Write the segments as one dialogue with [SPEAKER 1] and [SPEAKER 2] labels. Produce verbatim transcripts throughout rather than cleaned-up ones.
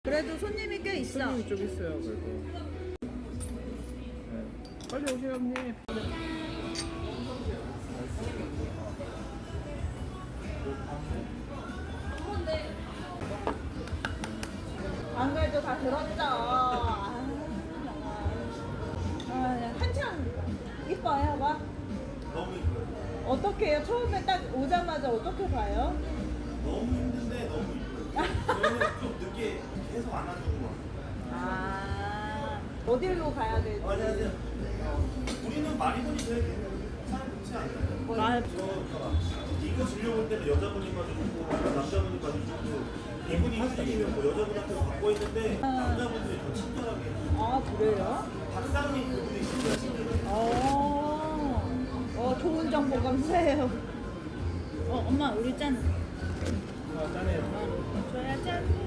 [SPEAKER 1] 그래도 손님이 꽤 있어.
[SPEAKER 2] 손님이 좀 있어요 그래도. 네. 빨리 오세요 형님.
[SPEAKER 1] 안 그래도 다 들었죠. 아, 아, 한참 이뻐요, 봐.
[SPEAKER 3] 너무 이뻐요.
[SPEAKER 1] 어떻게 해요? 처음에 딱 오자마자 어떻게 봐요?
[SPEAKER 3] 너무 힘든데 너무 이뻐요. 저희는 좀 늦게 계속 안아주고 와.
[SPEAKER 1] 아, 어디로 가야 되지?
[SPEAKER 3] 안녕하세요. 우리는 많이 보니 제일 괜찮지 않나요?
[SPEAKER 1] 아,
[SPEAKER 3] 저 이거 진료볼 때는 여자분이 봐주고 남자분이 봐주고 이분이 선생님이면 뭐 여자분한테 받고 있는데 남자분들이 더 친절하게
[SPEAKER 1] 아, 그래요?
[SPEAKER 3] 박사님 그분이 진짜 친절해요.
[SPEAKER 1] 어, 어, 좋은 정보 감사해요. 어, 엄마, 우리 짠.
[SPEAKER 2] 아 짠해요.
[SPEAKER 1] 줘야 짠.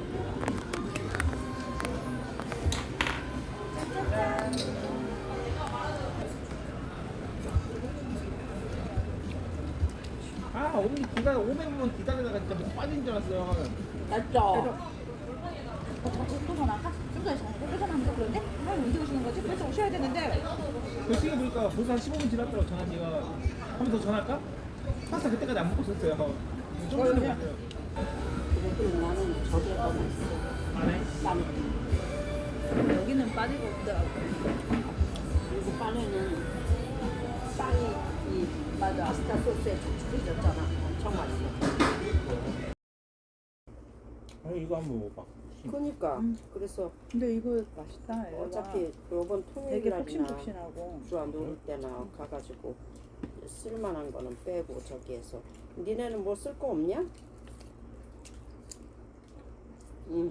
[SPEAKER 2] 아 오늘 기다려 오백 분 기다리다가 진짜 목 빠진 줄 알았어요.
[SPEAKER 1] 맞죠? 어, 또 전화할까? 좀 전에 전화, 또 전화하면 그런데? 아, 언제 오시는 거지? 그래서 오셔야 되는데.
[SPEAKER 2] 그 시간 보니까 벌써 한 십오 분 지났더라고 전화기가. 한 번 더 전화할까? 파스타 그때까지 안 먹고 있었어요. 좀 전에 먹었어요.
[SPEAKER 4] 그래도 나는 저게 더 맛있어.
[SPEAKER 2] 안 해?
[SPEAKER 4] 난
[SPEAKER 1] 여기는 빠지고 없더라고.
[SPEAKER 4] 그리고 빵에는 빵이 이
[SPEAKER 1] 맞아.
[SPEAKER 4] 파스타 소스에 축축해졌잖아. 엄청 맛있어.
[SPEAKER 2] 아 이거 한번 먹어봐.
[SPEAKER 4] 그러니까
[SPEAKER 1] 음.
[SPEAKER 4] 그래서
[SPEAKER 1] 근데 이거 맛있다.
[SPEAKER 4] 어차피 요번
[SPEAKER 1] 되게
[SPEAKER 4] 토요일날이나
[SPEAKER 1] 폭신폭신하고.
[SPEAKER 4] 주아 놀 때나 가가지고 쓸만한 거는 빼고 저기에서 니네는 뭐 쓸 거 없냐? 응.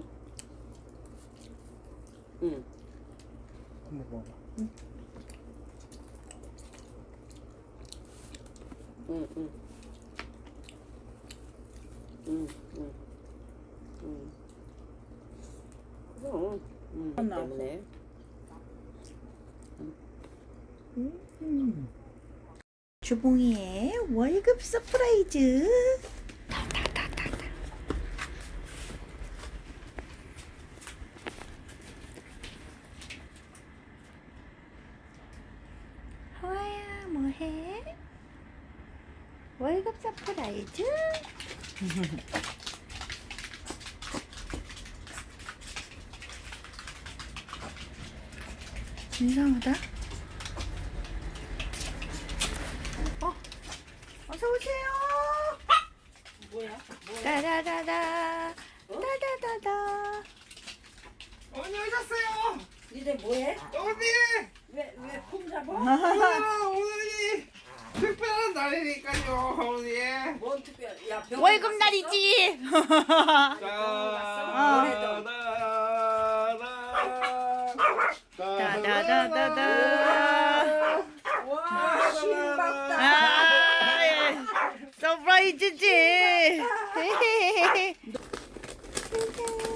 [SPEAKER 4] 응.
[SPEAKER 2] 한번 먹어봐.
[SPEAKER 4] 응, 응. 응, 응. 응. 그럼, 응.
[SPEAKER 1] 안 나왔어.
[SPEAKER 4] 때문에.
[SPEAKER 2] 음.
[SPEAKER 1] 주봉이의 월급 서프라이즈. 하와야 뭐해? 월급 서프라이즈? 이상하다. 어, 어서 오세요.
[SPEAKER 4] 뭐야? 뭐야?
[SPEAKER 1] 따다다다. 따다다다.
[SPEAKER 2] 언니 오셨어요.
[SPEAKER 4] 니네 뭐해?
[SPEAKER 2] 언니.
[SPEAKER 4] 왜, 왜 폼 잡아?
[SPEAKER 2] 아, 오늘이 특별한 날이니까요, 언니.
[SPEAKER 4] 뭔 특별, 야, 병원
[SPEAKER 1] 월급
[SPEAKER 4] 갔었어?
[SPEAKER 1] 날이지.
[SPEAKER 4] 올해도.
[SPEAKER 1] 따다다다다.
[SPEAKER 4] 와, 신박다.
[SPEAKER 1] 아, 예. 서프라이즈지.